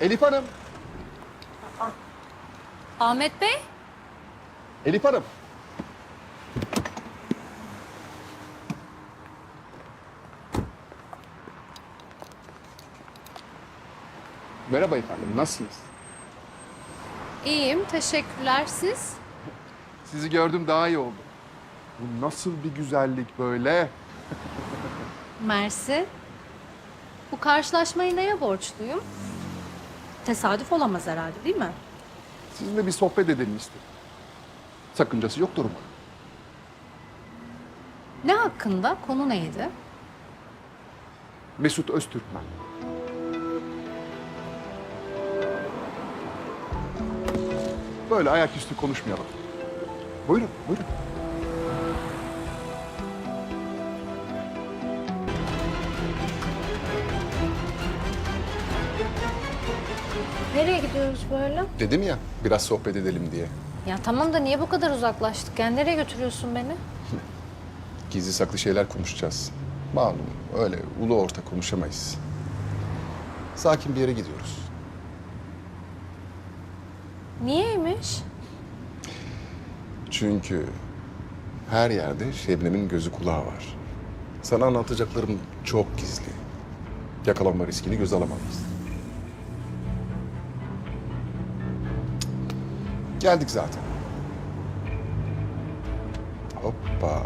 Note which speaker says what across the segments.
Speaker 1: Elif Hanım.
Speaker 2: Ahmet Bey?
Speaker 1: Elif Hanım. Merhaba efendim, nasılsınız?
Speaker 2: İyiyim, teşekkürler. Siz?
Speaker 1: Sizi gördüm daha iyi oldu. Bu nasıl bir güzellik böyle?
Speaker 2: Mersi. Bu karşılaşmayı neye borçluyum? Tesadüf olamaz herhalde, değil mi?
Speaker 1: Sizinle bir sohbet edelim istedim. Sakıncası yoktur umarım.
Speaker 2: Ne hakkında? Konu neydi?
Speaker 1: Mesut Öztürkmen. Böyle ayaküstü konuşmayalım. Buyurun, buyurun.
Speaker 2: Nereye gidiyoruz böyle?
Speaker 1: Dedim ya, biraz sohbet edelim diye.
Speaker 2: Ya tamam da niye bu kadar uzaklaştık? Yani nereye götürüyorsun beni?
Speaker 1: Gizli saklı şeyler konuşacağız. Malum, öyle ulu orta konuşamayız. Sakin bir yere gidiyoruz.
Speaker 2: Niyeymiş?
Speaker 1: Çünkü her yerde Şebnem'in gözü kulağı var. Sana anlatacaklarım çok gizli. Yakalanma riskini göze alamayız. Geldik zaten. Hoppa.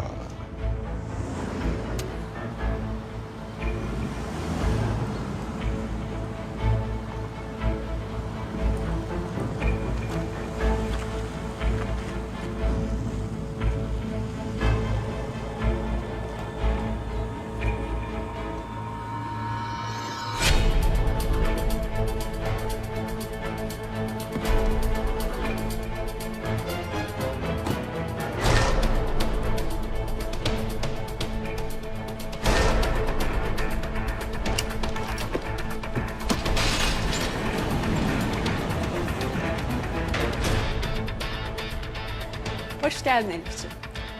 Speaker 3: Hoş geldin Elif'ciğim.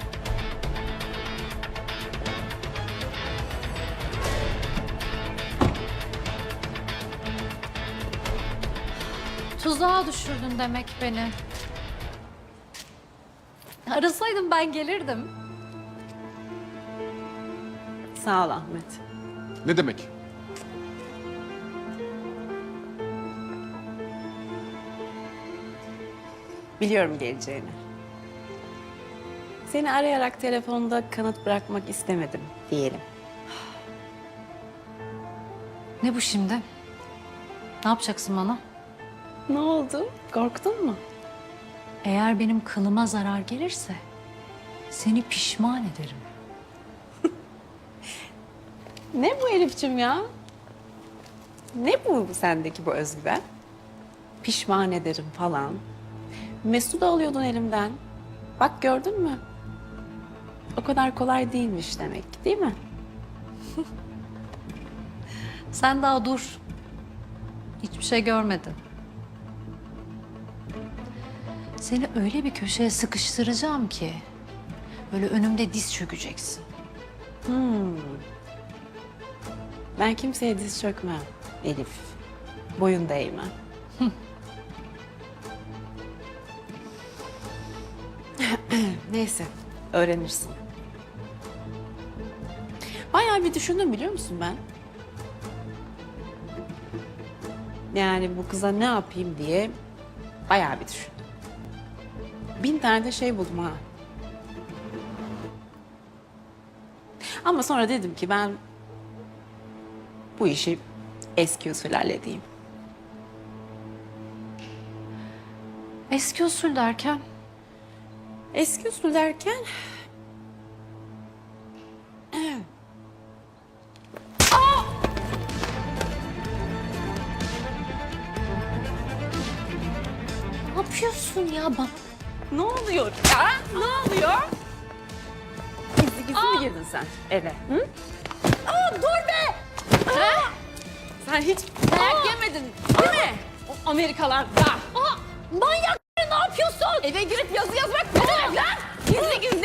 Speaker 2: Tuzağa düşürdün demek beni. Arasaydın ben gelirdim.
Speaker 3: Sağ ol Ahmet.
Speaker 1: Ne demek?
Speaker 3: Biliyorum geleceğini. Seni arayarak telefonda kanıt bırakmak istemedim diyelim.
Speaker 2: Ne bu şimdi? Ne yapacaksın bana?
Speaker 3: Ne oldu? Korktun mu?
Speaker 2: Eğer benim kılıma zarar gelirse seni pişman ederim.
Speaker 3: Ne bu Elif'ciğim ya? Ne bu sendeki bu özgüven? Pişman ederim falan. Mesut'u alıyordun elimden. Bak gördün mü? O kadar kolay değilmiş demek, değil mi?
Speaker 2: Sen daha dur. Hiçbir şey görmedin. Seni öyle bir köşeye sıkıştıracağım ki böyle önümde diz çökeceksin.
Speaker 3: Ben kimseye diz çökmem Elif. Boyun değme. Neyse, öğrenirsin. Bayağı bir düşündüm biliyor musun ben? Yani bu kıza ne yapayım diye bayağı bir düşündüm. 1000 tane de şey buldum ha. Ama sonra dedim ki ben bu işi eski usul halledeyim.
Speaker 2: Eski usul derken
Speaker 3: Eski usul derken...
Speaker 2: ne yapıyorsun ya bak?
Speaker 3: Ne oluyor ya? Ne oluyor? Gizli gizli mi girdin sen eve? Hı? Dur be! Sen hiç dayak yemedin değil mi? O Amerikalarda.
Speaker 2: Manyak ne yapıyorsun?
Speaker 3: Eve girip yazı yazmak ne demek lan? Gizli gizli